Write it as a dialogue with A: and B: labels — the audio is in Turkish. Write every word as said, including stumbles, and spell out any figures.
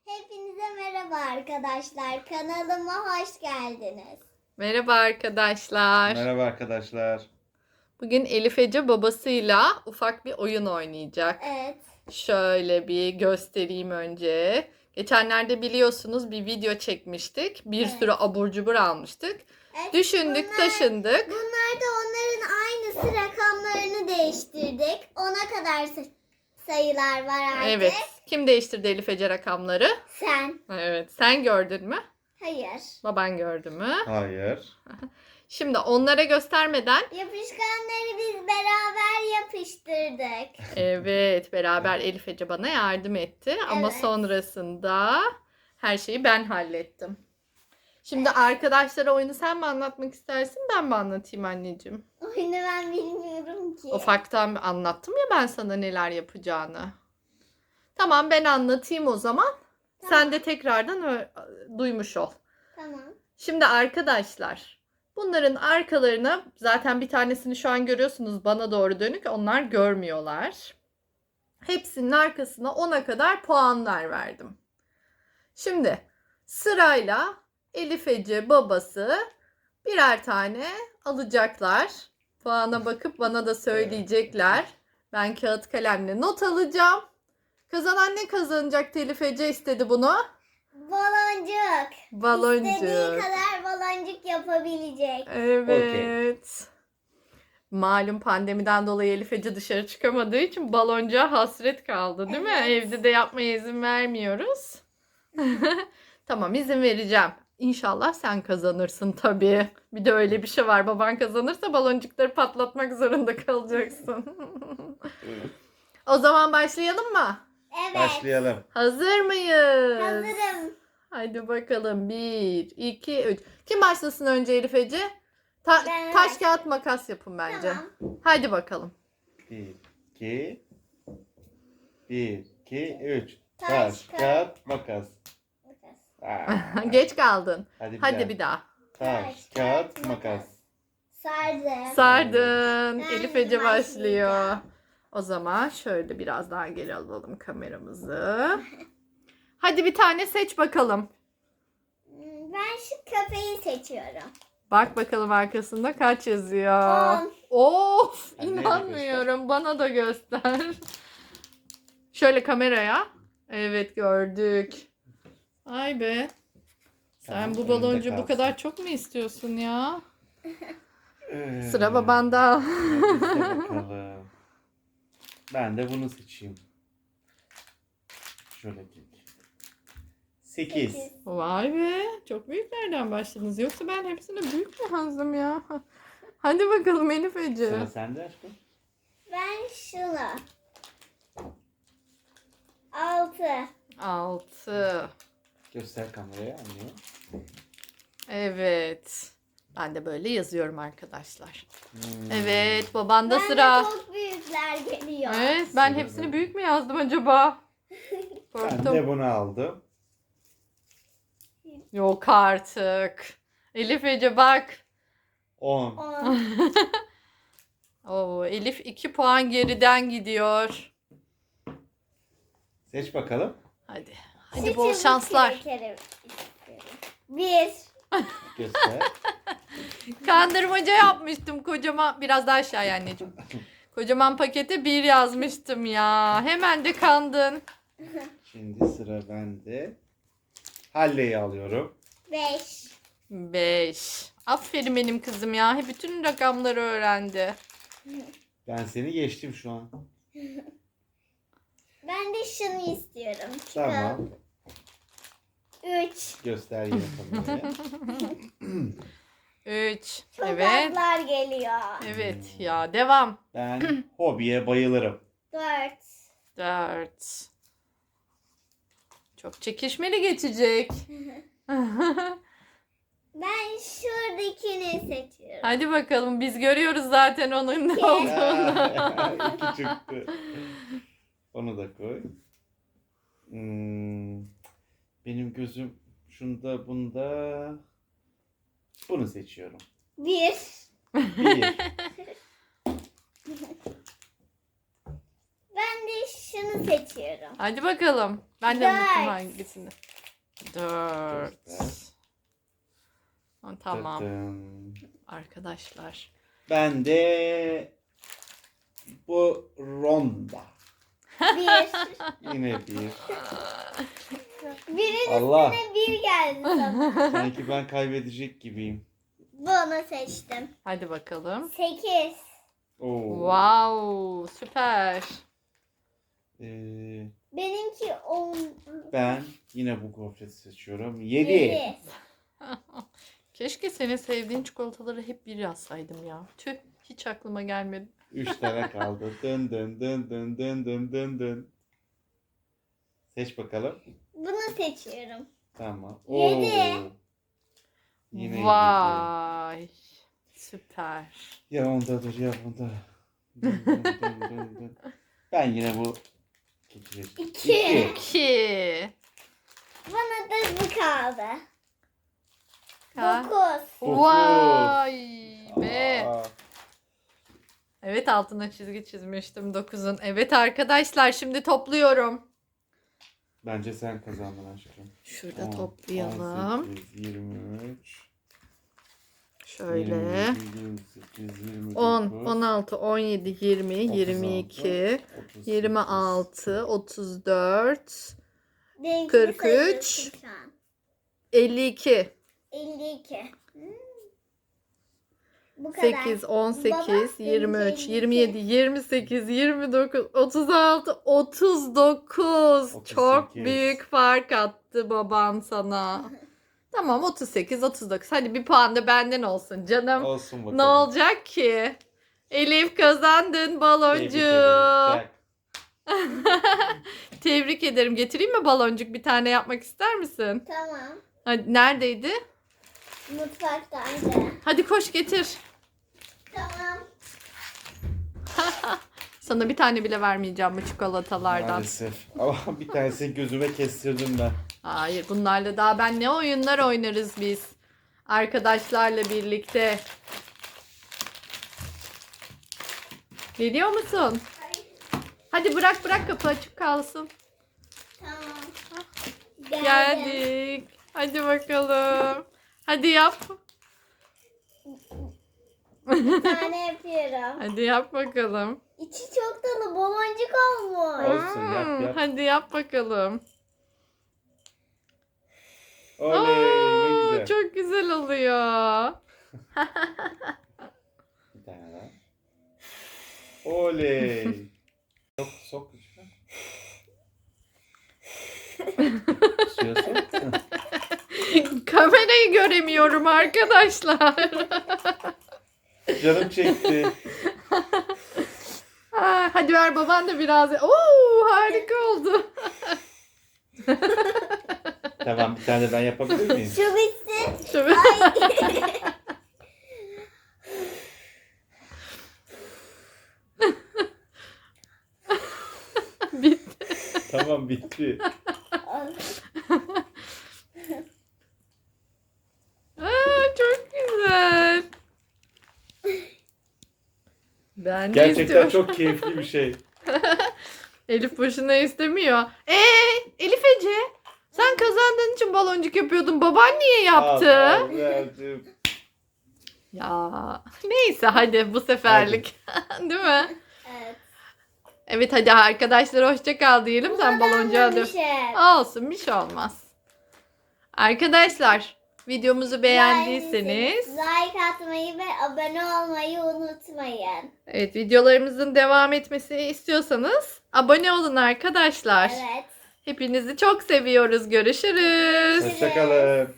A: Hepinize merhaba arkadaşlar. Kanalıma hoş geldiniz.
B: Merhaba arkadaşlar.
C: Merhaba arkadaşlar.
B: Bugün Elif Ece babasıyla ufak bir oyun oynayacak.
A: Evet.
B: Şöyle bir göstereyim önce. Geçenlerde biliyorsunuz bir video çekmiştik. Bir
A: Evet.
B: sürü abur cubur almıştık.
A: Evet,
B: Düşündük,
A: bunlar-
B: taşındık.
A: Bunlar da onların aynısı, rakamlarını değiştirdik. Ona kadar sa- sayılar var artık.
B: Evet. Kim değiştirdi Elif Ece rakamları?
A: Sen.
B: Evet. Sen gördün mü?
A: Hayır.
B: Baban gördü mü?
C: Hayır.
B: Şimdi onlara göstermeden
A: Yapışkanları biz beraber yapıştırdık.
B: evet, beraber Elif Ece bana yardım etti. Ama
A: Evet.
B: sonrasında her şeyi ben hallettim. Şimdi arkadaşlara oyunu sen mi anlatmak istersin, ben mi anlatayım anneciğim?
A: Oyunu ben bilmiyorum ki.
B: Ufaktan bir anlattım ya ben sana neler yapacağını. Tamam, ben anlatayım o zaman. Sen de tekrardan ö- duymuş ol.
A: Tamam.
B: Şimdi arkadaşlar, bunların arkalarına zaten bir tanesini şu an görüyorsunuz bana doğru dönük, onlar görmüyorlar. Hepsinin arkasına ona kadar puanlar verdim. Şimdi sırayla Elif Ece babası birer tane alacaklar. Puana bakıp bana da söyleyecekler. Ben kağıt kalemle not alacağım. Kazanan ne kazanacak? Elif Ece istedi bunu.
A: Baloncuk.
B: Baloncuk.
A: İstediği kadar baloncuk yapabilecek.
B: Evet. Malum pandemiden dolayı Elif Ece dışarı çıkamadığı için baloncuğa hasret kaldı, değil mi?
A: Evet.
B: Evde de yapmaya izin vermiyoruz. Tamam, izin vereceğim. İnşallah sen kazanırsın tabii. Bir de öyle bir şey var. Baban kazanırsa baloncukları patlatmak zorunda kalacaksın. O zaman başlayalım mı?
A: Evet.
C: Başlayalım.
B: Hazır mıyız?
A: Hazırım.
B: Hadi bakalım. Bir, iki, üç. Kim başlasın önce Elif Ece? Ta-
A: Ben
B: taş
A: başlayayım.
B: kağıt makas yapın bence.
A: Tamam.
B: Hadi bakalım.
C: Bir, iki, bir, iki, üç.
A: Taş,
C: Taş,
A: kağıt.
C: kağıt, makas. Aa,
B: Geç kaldın.
C: Hadi bir
B: Hadi
C: daha.
B: bir daha.
C: Taş, kağıt, makas.
A: Sardım.
B: Sardın.
A: Ben
B: Elif Ece başlıyor.
A: başlayacağım.
B: O zaman şöyle biraz daha geri alalım kameramızı. Hadi bir tane seç bakalım.
A: Ben şu köpeği seçiyorum.
B: Bak bakalım arkasında kaç yazıyor.
A: On.
B: Of,
C: Anneye de
B: inanmıyorum. Bana da göster. Şöyle kameraya. Evet, gördük. Ay be. Sen
C: Tamam,
B: bu
C: önünde
B: baloncu bu
C: kalsın.
B: kadar çok mu istiyorsun ya?
C: Ee,
B: Sıra babanda.
C: hadi iste bakalım. Ben de bunu seçeyim. Şöyle kek. Sekiz.
A: Sekiz.
B: Vay be. Çok büyüklerden başladınız. Yoksa ben hepsine büyük mü yazdım ya? Hadi bakalım Elif Ece.
C: Sıra sende aşkım.
A: Ben şunu. Altı.
B: Altı.
C: Göster kameraya anne.
B: Evet. Ben de böyle yazıyorum arkadaşlar.
C: Hmm.
B: Evet, babanda
A: Ben
B: sıra.
A: de çok büyükler geliyor.
B: Evet, ben
C: Sıra
B: hepsini
C: ben.
B: büyük mü yazdım acaba?
C: Ben
B: Korktum.
C: de bunu aldım.
B: Yok artık. Elif Ece bak.
C: On.
A: On.
B: Oo, Elif iki puan geriden gidiyor.
C: Seç bakalım.
B: Hadi.
A: Şu
B: Hadi bol
A: çubuk
B: şanslar.
A: krekeri istiyorum. Bir.
C: Göster.
B: Kandırmaca yapmıştım kocaman. Biraz daha aşağıya anneciğim. Kocaman pakete bir yazmıştım ya. Hemen de kandın.
C: Şimdi sıra bende. Halle'yi alıyorum.
A: Beş.
B: Beş. Aferin benim kızım ya. Hep bütün rakamları öğrendi.
C: Ben seni geçtim şu an.
A: Ben de şunu istiyorum.
C: Tamam.
A: Üç.
C: Göster yine kameraya.
B: Üç.
A: Çok
B: Evet.
A: azlar geliyor.
B: Evet ya. Devam.
C: Ben hobiye bayılırım.
A: Dört.
B: Dört. Çok çekişmeli geçecek.
A: Ben şuradakini seçiyorum.
B: Hadi bakalım, biz görüyoruz zaten onun ne
A: İki.
B: olduğunu.
C: Aa, İki çıktı. Onu da koy. Hmm, benim gözüm şunda bunda. Bunu seçiyorum.
A: Bir.
C: Bir.
A: Ben de şu Şunu seçiyorum.
B: Hadi bakalım. Ben de
A: Dört.
B: unuttum hangisini. Dört. Ha, tamam
C: Tıtım.
B: arkadaşlar.
C: Ben de bu ronda.
A: Bir.
C: Yine bir.
A: Birin
C: Allah.
A: üstüne bir geldi sana.
C: Sanki ben kaybedecek gibiyim.
A: Bunu seçtim.
B: Hadi bakalım.
A: Sekiz.
C: Oo.
B: Wow, süper.
C: Ee,
A: Benimki on.
C: ben yine bu gofreti seçiyorum. Yedi.
A: Yedi.
B: Keşke senin sevdiğin çikolataları hep bir yazsaydım ya. Tüh, hiç aklıma gelmedi.
C: Üç tane kaldı. Dın dın dın dın dın dın dın dın. Seç bakalım.
A: Bunu seçiyorum.
C: Tamam.
A: Yedi.
C: Yine yedi.
B: Vay. Süper.
C: Ya ondadır ya bunda. Dın dın dın dın dın. Ben yine bu iki.
A: İki.
B: İki.
A: Bana da bu kaldı.
B: Ha.
A: Dokuz.
C: Dokuz.
B: Vay be.
C: Aa,
B: Evet, altına çizgi çizmiştim dokuzun. Evet arkadaşlar, şimdi topluyorum.
C: bence sen kazandın aşkım.
B: Şurada
C: On,
B: toplayalım.
C: on sekiz, yirmi üç.
B: Şöyle.
C: yirmi yedi, yirmi sekiz, yirmi dokuz,
B: on, on altı, on yedi, yirmi, yirmi iki,
C: otuz sekiz,
B: yirmi altı, otuz dört,
A: Benimkini
B: kırk üç.
A: sayıyorsun şu an.
B: elli iki,
A: elli iki. Hmm. Bu kadar.
B: sekiz, on sekiz,
A: Baba,
B: yirmi üç,
A: benimki
B: yirmi yedi, yirmi sekiz, yirmi dokuz, otuz altı, otuz dokuz.
C: otuz
B: Çok
C: sekiz.
B: büyük fark attı baban sana. Tamam, otuz sekiz, otuz dokuz. Hadi bir puan da benden olsun canım.
C: Olsun bakalım.
B: Ne olacak ki? Elif, kazandın
C: Tebrik
B: baloncu.
C: ederim. Çak.
B: Tebrik ederim. Getireyim mi baloncuk? Bir tane yapmak ister misin?
A: Tamam.
B: Hadi, neredeydi?
A: Mutfaktaydı.
B: Hadi koş getir.
A: Tamam.
B: Sana bir tane bile vermeyeceğim bu çikolatalardan.
C: Maalesef. Ama bir tanesini gözüme kestirdim ben.
B: Hayır, bunlarla daha ben ne oyunlar oynarız biz. Arkadaşlarla birlikte. Geliyor musun? Hadi bırak bırak, kapı açık kalsın.
A: Tamam. Geldim.
B: Geldik. Hadi bakalım. Hadi yap.
A: Bir tane yapıyorum.
B: Hadi yap bakalım.
A: İçi çok dolu baloncuk olmuş.
C: Olsun, yap,
B: Hmm,
C: yap.
B: Hadi yap bakalım.
C: Oley ne
B: Aa,
C: güzel.
B: çok güzel oluyor.
C: Bir tane daha. Oley. Sok sok içine. Suya sok.
B: Kamerayı göremiyorum arkadaşlar.
C: Canım çekti.
B: Aa, hadi ver, baban da biraz. Oo, harika oldu.
C: Tamam, bir tane de ben yapabilir miyim?
A: Şu bitsin.
B: Şöyle. Bitti.
C: Tamam, bitti.
B: Aa, çok güzel. Ben de
C: Gerçekten
B: istiyorum.
C: çok keyifli bir şey.
B: Elif boşuna istemiyor. Ee, Elif Ece, sen kazandığın için baloncuk yapıyordun. Baban niye yaptı?
C: Al, al, verdim.
B: Ya neyse, hadi bu seferlik. Değil mi?
A: Evet.
B: Evet, hadi arkadaşlar, hoşça kal diyelim. Sen baloncuğa dön.
A: Şey.
B: Olsun, bir şey olmaz. Arkadaşlar, videomuzu beğendiyseniz,
A: like atmayı ve abone olmayı unutmayın.
B: evet, videolarımızın devam etmesini istiyorsanız abone olun arkadaşlar.
A: Evet.
B: Hepinizi çok seviyoruz. Görüşürüz.
C: Hoşçakalın.